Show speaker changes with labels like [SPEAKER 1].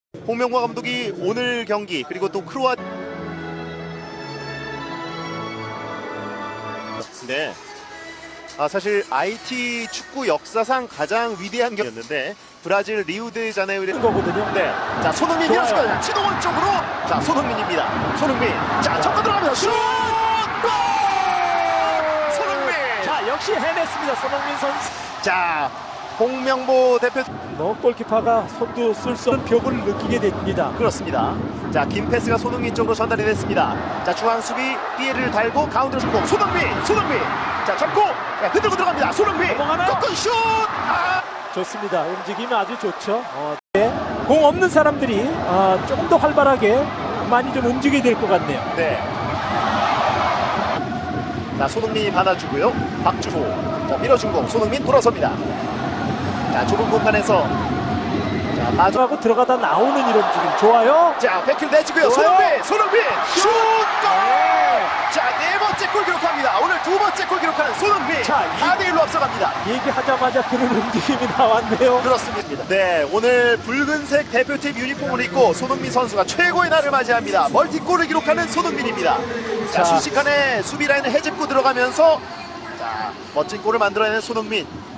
[SPEAKER 1] 홍명보 감독이 오늘 경기 그리고 또 네. 사실 IT 축구 역사상 가장 위대한 경기였는데 브라질 리우데자네이루
[SPEAKER 2] 거거든요.
[SPEAKER 1] 네. 자, 손흥민 밀었습니다. 치동원 쪽으로. 자, 손흥민입니다. 손흥민. 자, 접근 들어갑니다. 슛! 골! 손흥민.
[SPEAKER 2] 자, 역시 해냈습니다. 손흥민 선수.
[SPEAKER 1] 자, 홍명보 대표
[SPEAKER 2] 골키퍼가 손도 쓸 수 없는 벽을 느끼게 됩니다.
[SPEAKER 1] 그렇습니다. 자, 긴 패스가 손흥민 쪽으로 전달이 됐습니다. 자, 중앙 수비 삐에를 달고 가운데로 성공. 손흥민. 자, 접고 흔들고 들어갑니다. 손흥민.
[SPEAKER 2] 넘어가나요?
[SPEAKER 1] 꺾은 슛.
[SPEAKER 2] 좋습니다. 움직임이 아주 좋죠. 네. 공 없는 사람들이 조금 더 활발하게 많이 좀 움직여야 될 것 같네요.
[SPEAKER 1] 네. 자, 손흥민이 받아주고요. 박주호. 자, 밀어준 공. 손흥민 돌아섭니다. 자, 좁은 공간에서 자,
[SPEAKER 2] 마주하고 들어가다 나오는 이런 움직임 좋아요.
[SPEAKER 1] 자, 백킬 내주고요.
[SPEAKER 2] 좋아요.
[SPEAKER 1] 손흥민 슛! 골!
[SPEAKER 2] 네.
[SPEAKER 1] 자, 네 번째 골 기록합니다. 오늘 두 번째 골 기록하는 손흥민.
[SPEAKER 2] 자,
[SPEAKER 1] 4대1로 앞서갑니다.
[SPEAKER 2] 얘기하자마자 그런 움직임이 나왔네요.
[SPEAKER 1] 그렇습니다. 네, 오늘 붉은색 대표팀 유니폼을 입고 손흥민 선수가 최고의 날을 맞이합니다. 멀티골을 기록하는 손흥민입니다. 자,
[SPEAKER 2] 자.
[SPEAKER 1] 순식간에 수비 라인을 해집고 들어가면서 자, 멋진 골을 만들어내는 손흥민.